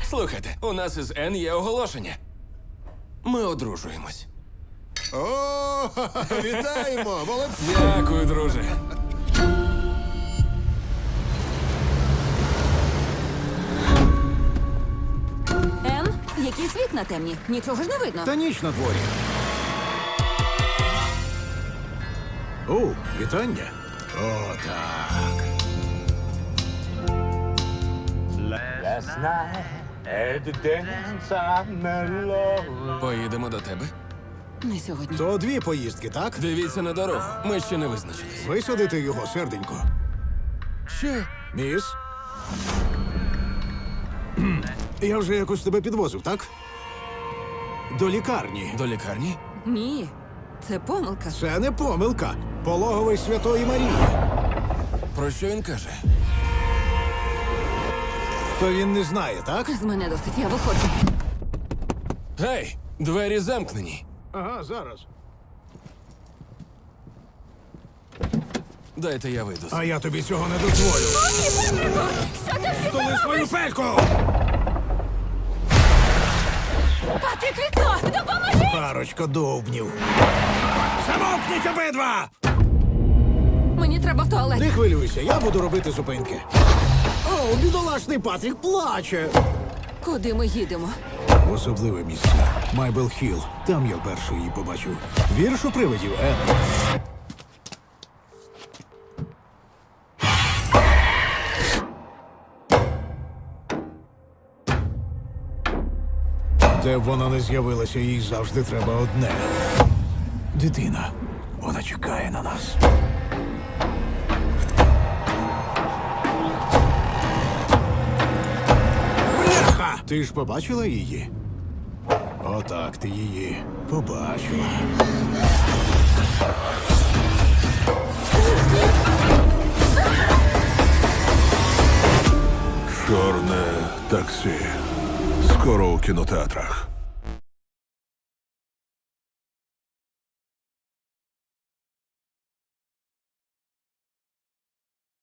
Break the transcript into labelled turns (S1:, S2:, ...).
S1: Слухайте, у нас із Н є оголошення. Ми одружуємось.
S2: О, вітаємо! Молодці!
S1: Дякую, друже.
S3: Ен, якийсь вікна темні. Нічого ж не видно.
S2: Та ніч на дворі. О, вітання. О, так.
S4: Last night at the dance I met love.
S1: Поїдемо до тебе.
S3: Не сьогодні.
S2: То дві поїздки, так?
S1: Дивіться на дорогу. Ми ще не визначились.
S2: Висадити його, серденько.
S1: Що?
S2: Міс? Я вже якось тебе підвозив, так? До лікарні.
S1: До лікарні?
S3: Ні, це помилка.
S2: Це не помилка. Пологовий Святої Марії.
S1: Про що він каже?
S2: То він не знає, так?
S3: З мене досить, я виходжу.
S1: Гей, двері замкнені.
S2: Ага, зараз.
S1: Дайте я вийду.
S2: А я тобі цього не дозволю. Столи свою пельку!
S3: Патрік, вікно! Допоможи!
S2: Парочка довбнів. Замовкніть обидва!
S3: Мені треба в туалет.
S2: Не хвилюйся, я буду робити зупинки. О, бідолашний Патрік плаче.
S3: Куди ми їдемо?
S2: В особливе місце. Майбел Хілл. Там я вперше її побачив. Вірш у привидів, Ен. Де б вона не з'явилася, їй завжди треба одне. Дитина. Вона чекає на нас. Бляха! Ти ж побачила її? Отак ти її побачила.
S5: Чорне таксі. Скоро у кінотеатрах.